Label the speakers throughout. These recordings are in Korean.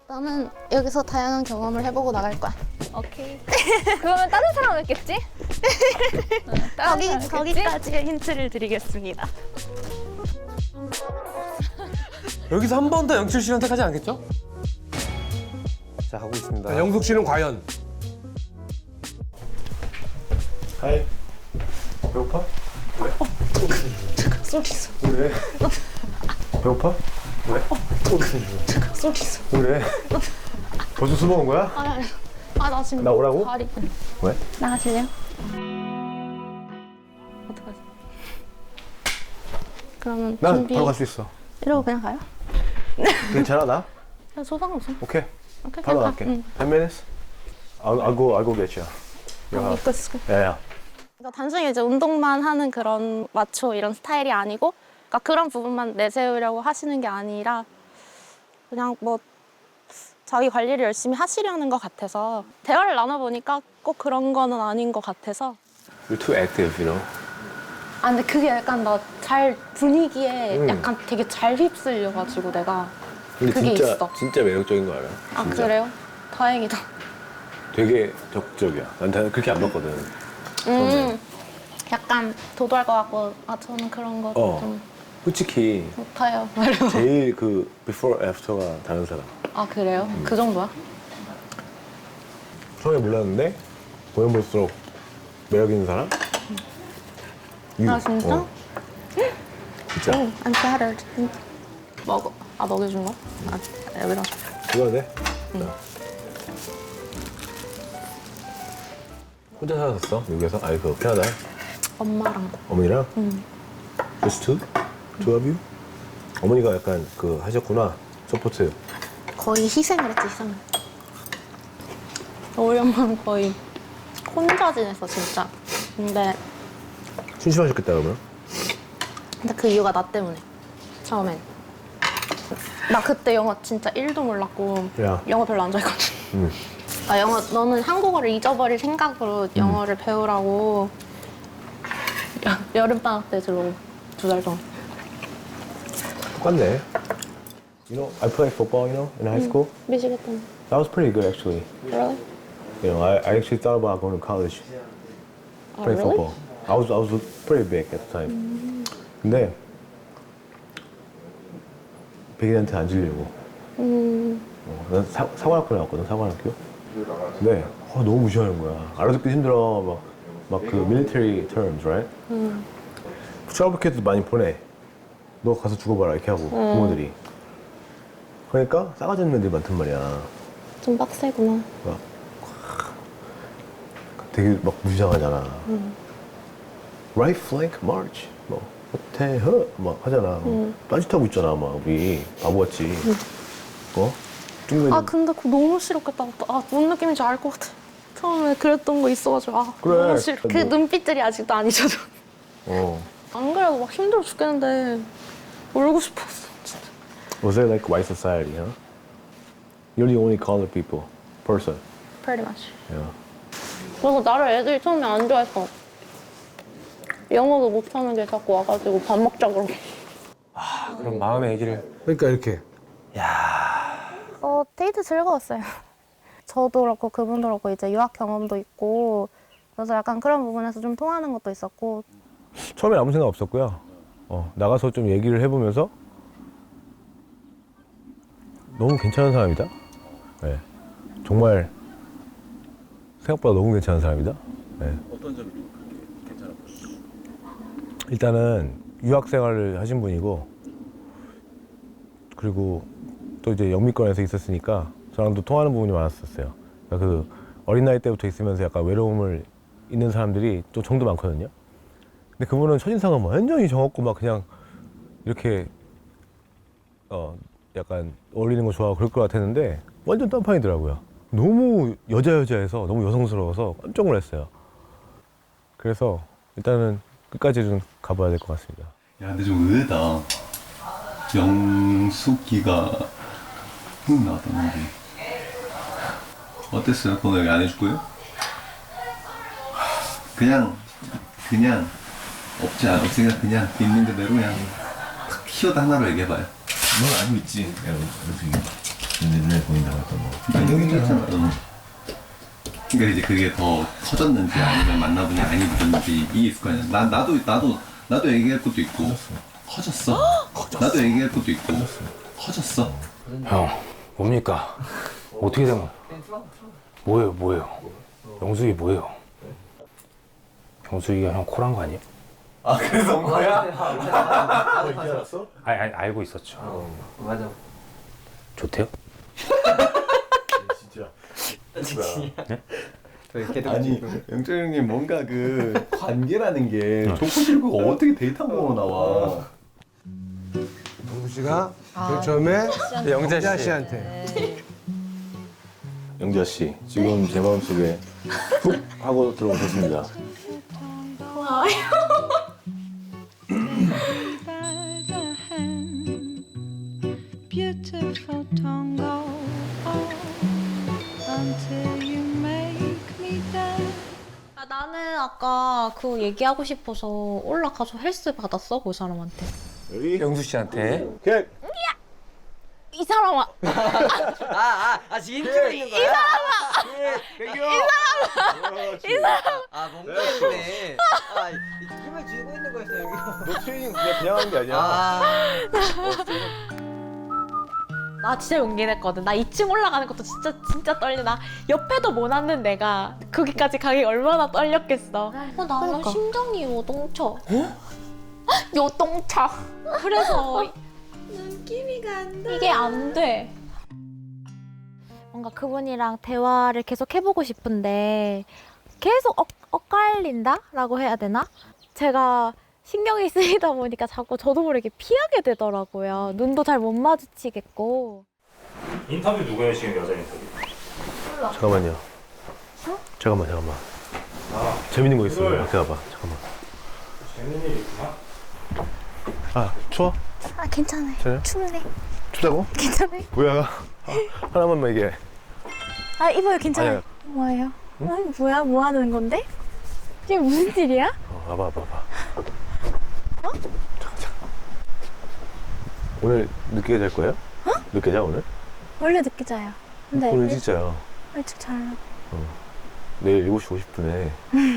Speaker 1: 나는 여기서 다양한 경험을 해보고 나갈 거야.
Speaker 2: 오케이. 그러면 다른 사람은 있겠지? 다른 사람 있겠지?
Speaker 1: 거기까지의 힌트를 드리겠습니다.
Speaker 3: 여기서 한 번 더 영철 씨 선택하지 않겠죠? 자, 가고 있습니다.
Speaker 4: 영숙 씨는 과연?
Speaker 5: 하이. 배고파? 왜?
Speaker 1: 쏠 있어.
Speaker 5: 왜? 배고파? 왜?
Speaker 1: 쏠 있어.
Speaker 5: 왜? 벌써 술 먹은 거야?
Speaker 1: 나 지금
Speaker 5: 나 오라고?
Speaker 1: 다리.
Speaker 5: 왜?
Speaker 1: 나가실래요? 어떡하지? 그러면
Speaker 5: 난
Speaker 1: 준비.
Speaker 5: 바로 갈 수 있어.
Speaker 1: 이러고 그냥 가요?
Speaker 5: 괜찮아 나?
Speaker 1: 그냥 소상없어.
Speaker 5: 오케이.
Speaker 1: 오케이,
Speaker 5: 바로
Speaker 1: 그냥
Speaker 5: 갈게.
Speaker 1: 가. 응.
Speaker 5: 10 minutes? I'll go get you.
Speaker 1: 입고 있을게.
Speaker 5: 야야.
Speaker 1: 그러니까 단순히 이제 운동만 하는 그런 마초 이런 스타일이 아니고, 그러니까 그런 부분만 내세우려고 하시는 게 아니라 그냥 뭐 자기 관리를 열심히 하시려는 것 같아서 대화를 나눠보니까 꼭 그런 거는 아닌 것 같아서.
Speaker 5: You're too active, you know.
Speaker 1: 아 근데 그게 약간 나 잘 분위기에 약간 되게 잘 휩쓸려가지고 내가
Speaker 5: 근데
Speaker 1: 그게
Speaker 5: 진짜
Speaker 1: 있어.
Speaker 5: 진짜 매력적인 거 알아?
Speaker 1: 아
Speaker 5: 진짜.
Speaker 1: 그래요? 다행이다.
Speaker 5: 되게 적극적이야. 난 그렇게 안 봤거든. 처음에.
Speaker 1: 약간 도도할 것 같고 저는 그런 거 좀
Speaker 5: 솔직히
Speaker 1: 못해요.
Speaker 5: 제일 그 before after가 다른 사람.
Speaker 1: 아 그래요? 그 정도야?
Speaker 5: 처음에 몰랐는데 보면 볼수록 매력 있는 사람?
Speaker 1: 아 진짜?
Speaker 5: 진짜.
Speaker 1: I'm flattered. 먹어. 아 먹여준 거? 아 여기다 줘.
Speaker 5: 이거 돼? 자. 혼자 살았었어? 미국에서? 아니 그 캐나다?
Speaker 1: 엄마랑.
Speaker 5: 어머니랑? Just two? Two of you? 어머니가 약간 그 하셨구나. 서포트.
Speaker 1: 거의 희생을 했지 희생을. 우리 엄마는 거의 혼자 지냈어 진짜. 근데
Speaker 5: 심심하셨겠다 그러면?
Speaker 1: 그 이유가 나 때문에. 처음엔. 나 그때 영어 진짜 1도 몰랐고
Speaker 5: 야.
Speaker 1: 영어 별로 안 좋아했거든.
Speaker 5: 응.
Speaker 1: 나 영어 너는 한국어를 잊어버릴 생각으로 영어를 배우라고 여름방학 때 들어오고 2달 동안.
Speaker 5: 똑같네. You know, I played football, you know, in high school.
Speaker 1: 미치겠다.
Speaker 5: That was pretty good actually.
Speaker 1: Really?
Speaker 5: You know, I actually thought about going to college. Play
Speaker 1: really?
Speaker 5: football. I was pretty big at the time. 근데 백인한테 안 질리고. 난 사관학교 나왔거든, 사관학교. 근데 너무 무시하는 거야. 알아듣기 힘들어. 막 그 military terms, right? 트러블 많이 보내. 너 가서 죽어봐라 이렇게 하고 부모들이. 그러니까 싸가지 없는 애들이 많단 말이야.
Speaker 1: 좀 빡세구나.
Speaker 5: 막 되게 막 무시당하잖아. Right flank march, 뭐 대허 막 하잖아. 딴짓하고 있잖아, 막 우리 바보같이.
Speaker 1: 아 근데 그거 너무 싫었겠다. 뭔 느낌인지 알 것 같아. 처음에 그랬던 거 있어가지고
Speaker 5: 그래.
Speaker 1: 너무 싫어. 그
Speaker 5: 뭐.
Speaker 1: 눈빛들이 아직도 안 잊혀져. 안 그래도 막 힘들어 죽겠는데 울고 싶었어 진짜.
Speaker 5: Was it like white society, huh? You're the only colored people, person.
Speaker 1: Pretty much.
Speaker 5: Yeah.
Speaker 1: 그래서 나를 애들이 처음에 안 좋아했어. 영어도 못하는 게 자꾸 와가지고 밥 먹자 그러고.
Speaker 3: 그럼 마음의 얘기를.
Speaker 4: 그러니까 이렇게.
Speaker 1: 데이트 즐거웠어요. 저도 그렇고 그분도 그렇고 이제 유학 경험도 있고 그래서 약간 그런 부분에서 좀 통하는 것도 있었고.
Speaker 5: 처음에 아무 생각 없었고요. 나가서 좀 얘기를 해보면서 너무 괜찮은 사람이다. 네. 정말 생각보다 너무 괜찮은 사람이다. 네.
Speaker 6: 어떤 점이 좀 그렇게 괜찮았어요?
Speaker 5: 일단은 유학 생활을 하신 분이고, 그리고 또 이제 영미권에서 있었으니까 저랑도 통하는 부분이 많았었어요. 그러니까 그 어린 나이 때부터 있으면서 약간 외로움을 있는 사람들이 또 정도 많거든요. 근데 그분은 첫인상은 완전히 정없고 막 그냥 이렇게 약간 어울리는 거 좋아하고 그럴 것 같았는데 완전 딴판이더라고요. 너무 여자여자해서 너무 여성스러워서 깜짝 놀랐어요. 그래서 일단은 끝까지 좀 가봐야 될 것 같습니다.
Speaker 6: 야, 근데 좀 의외다. 영숙이가 훅 나왔다는 게. 어땠어요? 번호 여기 안 해줄 거예요? 그냥 없으니까 그냥 있는 그대로 그냥 탁 키워다 하나로 얘기해봐요. 넌 알고 있지? 영숙이.
Speaker 5: 눈에 보인다고 했던 거.
Speaker 6: 나 여기 있잖아. 그러니까 이제 그게 더 커졌는지 아니면 만나보니 안 입었는지 이게 있을 거 아니야. 나도 얘기할 것도 있고. 커졌어. 나도 얘기할 것도 있고. 커졌어.
Speaker 4: 형, 뭡니까? 어떻게 된 거야? 뭐예요? 영숙이 뭐예요? 영숙이가 형 콜한 거 아니에요?
Speaker 5: 아 그래서 온 거야?
Speaker 4: 아니, 알고 있었죠.
Speaker 3: 맞아.
Speaker 4: 좋대요?
Speaker 5: 진짜. 아니 영철 형님 뭔가 그 관계라는 게 좋고 싫고가 어떻게 데이트한 거로 나와?
Speaker 7: 영수 씨가 맨 처음에
Speaker 3: 영자 씨.
Speaker 7: 씨한테
Speaker 5: 영자 씨 지금 제 마음속에 훅 하고 들어오셨습니다.
Speaker 8: Beautiful tango until you make me dance.
Speaker 9: 나는 아까 그 얘기하고 싶어서 올라가서 헬스 받았어 그 사람한테.
Speaker 5: 여기
Speaker 3: 영수 씨한테.
Speaker 5: 오케이.
Speaker 9: 이 사람아.
Speaker 7: 지금 찍고 있는 거야? 이 사람! 아 멍청이네. 힘을 쥐고 있는 거였어 여기.
Speaker 5: 너 트레이닝 그냥 하는 게 아니야.
Speaker 9: 나 진짜 용기 냈거든. 나 2층 올라가는 것도 진짜 떨려. 나 옆에도 못 앉는 내가 거기까지 가기 얼마나 떨렸겠어. 나는 심장이 요동쳐. 요동쳐. 그래서
Speaker 8: 눈길이가 안 나.
Speaker 9: 이게 안 돼. 뭔가 그분이랑 대화를 계속 해보고 싶은데 계속 엇갈린다라고 해야 되나? 제가 신경이 쓰이다 보니까 자꾸 저도 모르게 피하게 되더라고요. 눈도 잘 못 마주치겠고.
Speaker 4: 인터뷰 누구 여시는 여자 인터뷰?
Speaker 5: 잠깐만요. 잠깐만. 재밌는 거 있어요. 밖에 와봐. 잠깐만.
Speaker 4: 재밌는 일 있구나.
Speaker 5: 아 추워?
Speaker 9: 아 괜찮아요.
Speaker 5: 괜찮아요?
Speaker 9: 춥네.
Speaker 5: 춥다고?
Speaker 9: 괜찮아요.
Speaker 5: 뭐야? 하나만만 얘기해.
Speaker 9: 아 이봐요 괜찮아요.
Speaker 5: 아니야.
Speaker 9: 뭐예요? 뭐야? 뭐 하는 건데? 이게 무슨 일이야?
Speaker 5: 와봐. 잠깐. 오늘 늦게 잘 거예요? 늦게 자 오늘?
Speaker 9: 원래 늦게 자요. 근데
Speaker 5: 오늘 진짜야.
Speaker 9: 일찍 자요.
Speaker 5: 내일 7시 50분에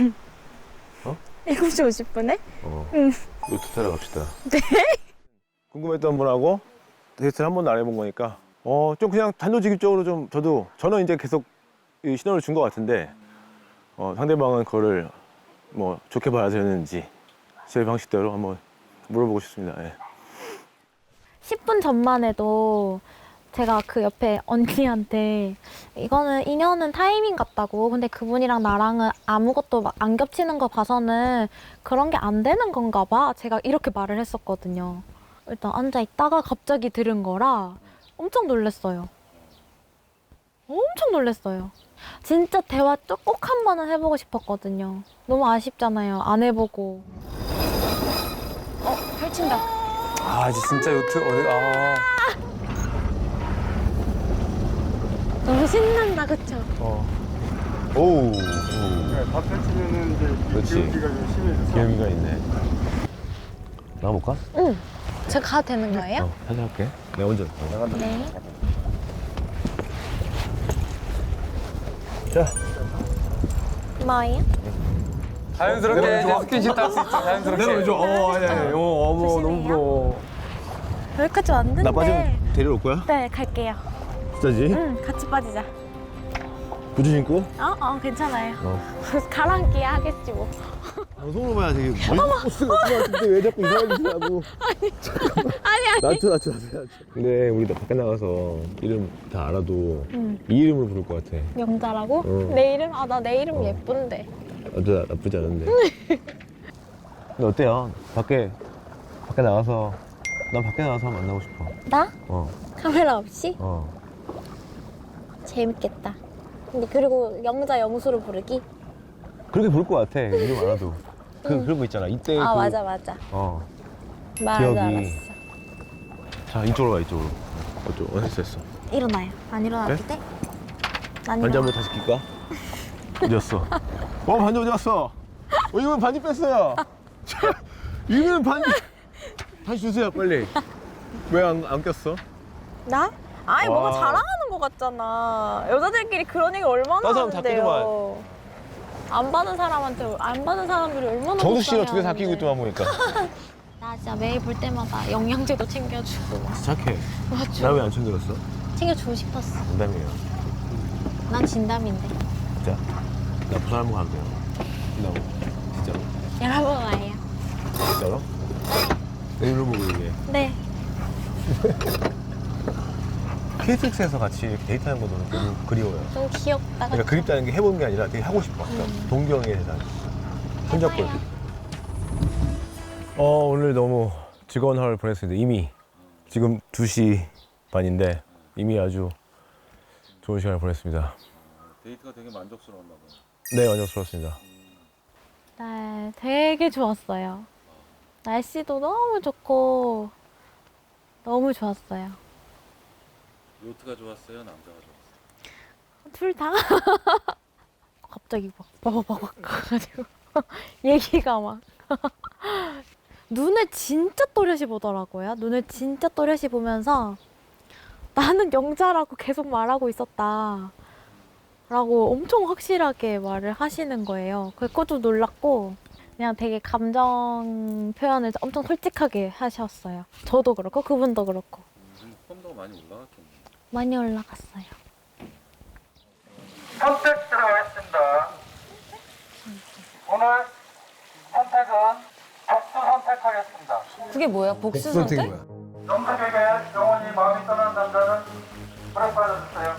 Speaker 9: 7시 50분에?
Speaker 5: 요트 타러 갑시다. 네? 궁금했던 분하고 데이트를 한 번도 안 해본 거니까 좀 그냥 단도직입적으로 좀 저는 이제 계속 이 신호를 준 것 같은데 상대방은 그거를 뭐 좋게 받아들였는지 제 방식대로 한번 물어보고 싶습니다. 예.
Speaker 9: 10분 전만 해도 제가 그 옆에 언니한테 이거는 인연은 타이밍 같다고. 근데 그분이랑 나랑은 아무것도 막 안 겹치는 거 봐서는 그런 게 안 되는 건가 봐. 제가 이렇게 말을 했었거든요. 일단 앉아 있다가 갑자기 들은 거라 엄청 놀랐어요. 엄청 놀랐어요. 진짜 대화 꼭 한 번은 해보고 싶었거든요. 너무 아쉽잖아요. 안 해보고. 펼친다.
Speaker 3: 아 이제 진짜 요트
Speaker 9: 너무 신난다, 그쵸?
Speaker 5: 오우.
Speaker 7: 밥 펼치면은 이제
Speaker 5: 그렇지.
Speaker 7: 기울기가 좀 심해져서
Speaker 5: 기회가 있네. 나가볼까?
Speaker 9: 응. 제가 가도 되는 거예요?
Speaker 5: 살짝 할게. 내가 먼저.
Speaker 9: 네.
Speaker 5: 자.
Speaker 9: 뭐예요?
Speaker 3: 자연스럽게 이제 스킨십 할 수 있죠. 자연스럽게.
Speaker 5: 아니. 어머 너무 부러워.
Speaker 9: 여기까지 왔는데.
Speaker 5: 나 빠지면 데리러 올 거야?
Speaker 9: 네, 갈게요.
Speaker 5: 진짜지?
Speaker 9: 응, 같이 빠지자.
Speaker 5: 부츠 신고?
Speaker 9: 괜찮아요.
Speaker 5: 어.
Speaker 9: 가랑끼 하겠지 뭐.
Speaker 5: 방송으로 봐야 되게 멋있을 것 같은데 왜 자꾸 이상한 짓을 하고.
Speaker 9: 아니.
Speaker 5: 나트. 근데 우리 나 밖에 나가서 이름 다 알아도 이 이름으로 부를 것 같아.
Speaker 9: 영자라고?
Speaker 5: 어.
Speaker 9: 내 이름? 나 내 이름 예쁜데.
Speaker 5: 나쁘지 않은데. 근데 어때요? 밖에 나가서 난 밖에 나가서 만나고 싶어.
Speaker 9: 나?
Speaker 5: 어.
Speaker 9: 카메라 없이? 재밌겠다. 근데 그리고 영자 영수로 부르기?
Speaker 5: 그렇게 부를 것 같아. 이름 알아도. 그런 거 있잖아. 이때
Speaker 9: 맞아. 말도
Speaker 5: 기억이.
Speaker 9: 알았어.
Speaker 5: 자 이쪽으로 가 이쪽으로. 됐어.
Speaker 9: 일어나요. 안 일어나도 돼? 안
Speaker 5: 반지
Speaker 9: 일어나.
Speaker 5: 한번 다시 낄까? 어디였어? 반지 어디 갔어? 이거는 반지 뺐어요. 이거는 반지 다시 주세요 빨리. 왜 안 꼈어?
Speaker 9: 나? 아니
Speaker 5: 와.
Speaker 9: 뭔가 자랑하는
Speaker 2: 같잖아. 여자들끼리 그런 얘기 얼마나
Speaker 5: 다른 사람 다
Speaker 2: 하는데요. 안 받은 사람한테 안 받은 사람들이 얼마나
Speaker 5: 정수 씨가
Speaker 2: 속상해
Speaker 5: 2개 다 끼고 있더만 보니까.
Speaker 9: 나 진짜 매일 볼 때마다 영양제도 챙겨주고 막
Speaker 5: 착해.
Speaker 9: 맞죠?
Speaker 5: 나 왜 안 챙겨줬어?
Speaker 9: 챙겨주고 싶었어.
Speaker 5: 농담이에요.
Speaker 9: 난 진담인데.
Speaker 5: 진짜. 나 부산 한번 가면 돼요. 진다고. 진짜로.
Speaker 9: 여러분 와요.
Speaker 5: 진짜로? 내일로 보고 얘기해.
Speaker 9: 네.
Speaker 5: KTX에서 같이 이렇게 데이트하는 것도 너무 그리워요.
Speaker 9: 너무 귀엽다.
Speaker 5: 그러니까
Speaker 9: 그쵸?
Speaker 5: 그립다는 게 해본 게 아니라 되게 하고 싶어. 그러니까 동경의 세상. 손잡고 이렇게. 오늘 너무 즐거운 하루를 보냈습니다. 이미 지금 2시 반인데 이미 아주 좋은 시간을 보냈습니다.
Speaker 6: 데이트가 되게 만족스러웠나 봐요.
Speaker 5: 네, 만족스러웠습니다.
Speaker 9: 네, 되게 좋았어요. 날씨도 너무 좋고 너무 좋았어요.
Speaker 6: 요트가 좋았어요? 남자가 좋았어요?
Speaker 9: 둘 다. 갑자기 막 빠바바박 가가지고 얘기가 막 눈을 진짜 또렷이 보더라고요. 눈을 진짜 또렷이 보면서 나는 영자라고 계속 말하고 있었다 라고 엄청 확실하게 말을 하시는 거예요. 그것도 놀랐고 그냥 되게 감정 표현을 엄청 솔직하게 하셨어요. 저도 그렇고 그분도 그렇고
Speaker 6: 펌도가 많이 올라갔겠네.
Speaker 9: 많이 올라갔어요.
Speaker 10: 선택 들어가겠습니다. 오늘 선택은 복수 선택하겠습니다.
Speaker 2: 그게 뭐야? 복수 선택?
Speaker 10: 영탁에게 영원히 마음이 떠난 남자는 불에 빠져주세요.